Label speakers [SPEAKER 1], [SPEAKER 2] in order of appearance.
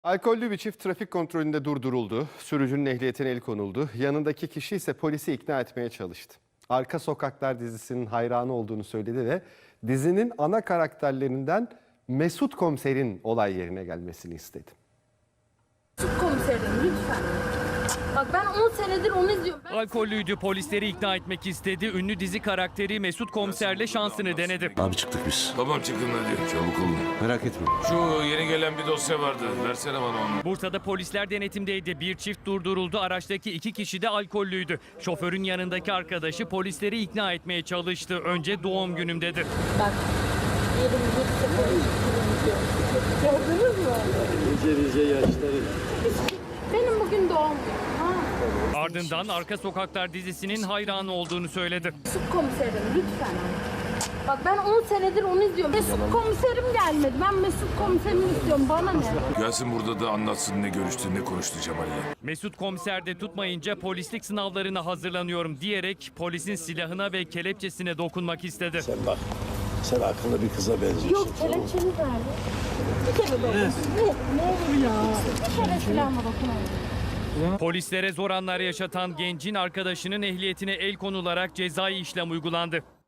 [SPEAKER 1] Alkollü bir çift trafik kontrolünde durduruldu. Sürücünün ehliyetine el konuldu. Yanındaki kişi ise polisi ikna etmeye çalıştı. Arka Sokaklar dizisinin hayranı olduğunu söyledi ve dizinin ana karakterlerinden Mesut Komiser'in olay yerine gelmesini istedi.
[SPEAKER 2] Mesut Komiserim lütfen. Bak ben 10 senedir onu izliyorum.
[SPEAKER 3] Alkollüydü, polisleri ikna etmek istedi. Ünlü dizi karakteri Mesut Komiser'le şansını denedi.
[SPEAKER 4] Abi çıktık biz.
[SPEAKER 5] Tamam çıkın hadi çabuk olun.
[SPEAKER 4] Merak etme.
[SPEAKER 5] Şu yeni gelen bir dosya vardı. Versene bana onu.
[SPEAKER 3] Bursa'da polisler denetimdeydi. Bir çift durduruldu. Araçtaki 2 kişi de alkollüydü. Şoförün yanındaki arkadaşı polisleri ikna etmeye çalıştı. Önce doğum günüm dedi.
[SPEAKER 2] Bak 21 gördünüz mü?
[SPEAKER 4] Nice yaşları.
[SPEAKER 2] Benim bugün doğum günüm.
[SPEAKER 3] Ardından Arka Sokaklar dizisinin hayranı olduğunu söyledi.
[SPEAKER 2] Mesut Komiserim lütfen. Bak ben 10 senedir onu izliyorum. Mesut Komiserim gelmedi. Ben Mesut Komiserimi istiyorum. Bana ne?
[SPEAKER 5] Gelsin burada da anlatsın ne görüştü ne konuştu Cemal'le.
[SPEAKER 3] Mesut Komiser de tutmayınca polislik sınavlarına hazırlanıyorum diyerek polisin silahına ve kelepçesine dokunmak istedi.
[SPEAKER 4] Sen bak. Sen akıllı bir kıza benziyorsun.
[SPEAKER 2] Yok kelepçeniz nerede? Bir kere dokun. Ne olur ya. Bir kere silahıma dokunayım.
[SPEAKER 3] Polislere zor anlar yaşatan gencin arkadaşının ehliyetine el konularak cezai işlem uygulandı.